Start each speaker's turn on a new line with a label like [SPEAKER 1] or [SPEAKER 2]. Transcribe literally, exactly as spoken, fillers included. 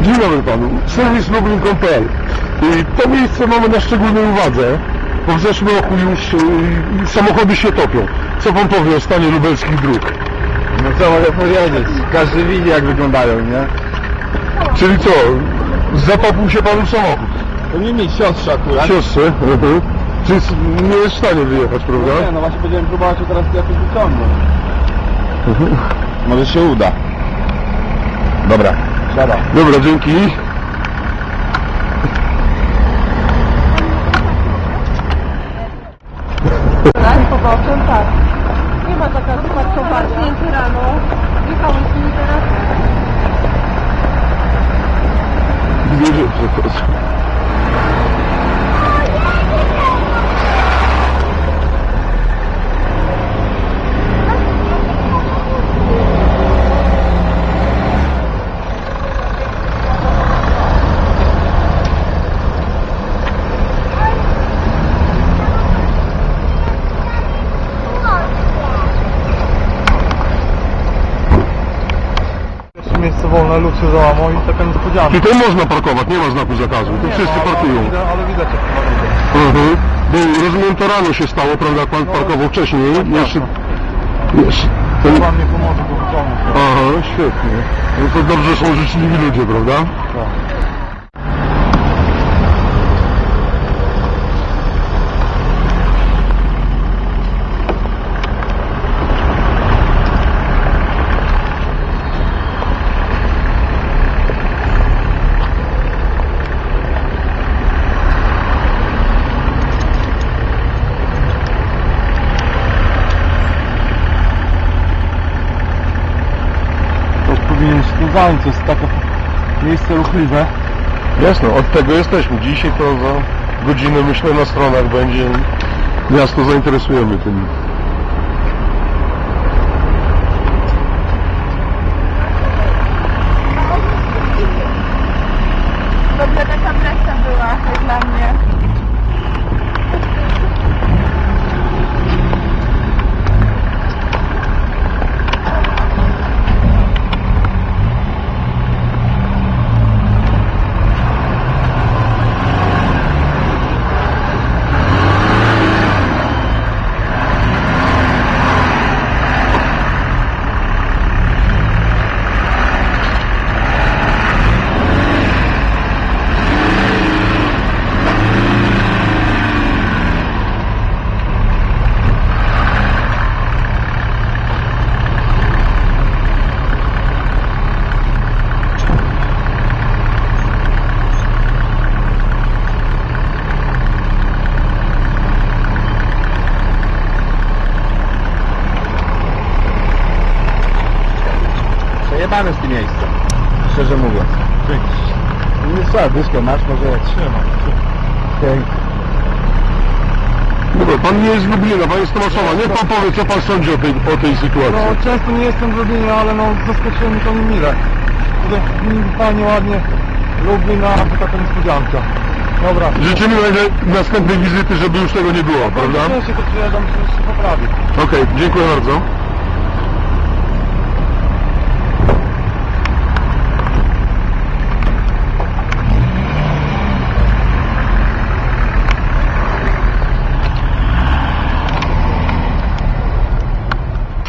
[SPEAKER 1] Dzień dobry panu, serwis lublin kropka p l. To miejsce mamy na szczególnej uwadze, bo w zeszłym roku już y, samochody się topią. Co pan powie o stanie lubelskich dróg?
[SPEAKER 2] No co mogę powiedzieć? Każdy widzi, jak wyglądają, nie?
[SPEAKER 1] Czyli co, zatopił się panu samochód?
[SPEAKER 2] To nie mi siostrze akurat.
[SPEAKER 1] Siostrze? Mhm. Czyli nie jest w stanie wyjechać, prawda?
[SPEAKER 2] No nie, no właśnie będziemy próbować teraz jakoś wyciągnąć. Mhm. Może się uda. Dobra, siada.
[SPEAKER 1] Dobra, dzięki.
[SPEAKER 3] Tak, poboczem, tak. Nie ma taka zaparkowania. Zamknięty rano. Jechałem z nimi teraz.
[SPEAKER 1] Dwie rzeczy teraz.
[SPEAKER 2] Miejsce wolne, lud się załamał i taka niespodzianka.
[SPEAKER 1] Tutaj można parkować, nie ma znaku zakazu, tu wszyscy parkują.
[SPEAKER 2] Ale, ale widać, jak to ma.
[SPEAKER 1] Mhm. Bo rozumiem, to rano się stało, prawda, jak pan parkował wcześniej. Jeszcze... Jeszcze...
[SPEAKER 2] To wam nie pomoże go wyciągnąć.
[SPEAKER 1] Aha, świetnie. No to dobrze, że są życzliwi ludzie, prawda?
[SPEAKER 2] Tak. Powinien się tym zająć, to jest takie miejsce ruchliwe.
[SPEAKER 1] Jasno, od tego jesteśmy. Dzisiaj to za godzinę, myślę, na stronach będzie. Miasto zainteresujemy tym.
[SPEAKER 3] W ogóle taka presja była jak dla mnie.
[SPEAKER 2] Przejebane z tym miejscem, szczerze mówiąc. Nie trzeba, dyszkę masz, może jak trzymam. Okay.
[SPEAKER 1] Dobra, pan nie jest z Lublina, pan jest z Tomaszowa. Niech pan powie, co pan sądzi o tej, o tej sytuacji.
[SPEAKER 2] No często nie jestem w Lublinie, ale no zaskoczyło mnie to mile. Tutaj fajnie, ładnie Lublin, a to taka niespodzianka. Dobra.
[SPEAKER 1] Życzymy następnej wizyty, żeby już tego nie było, prawda?
[SPEAKER 2] Ja się to przyjeżdżam, że się poprawi.
[SPEAKER 1] Okej, dziękuję bardzo.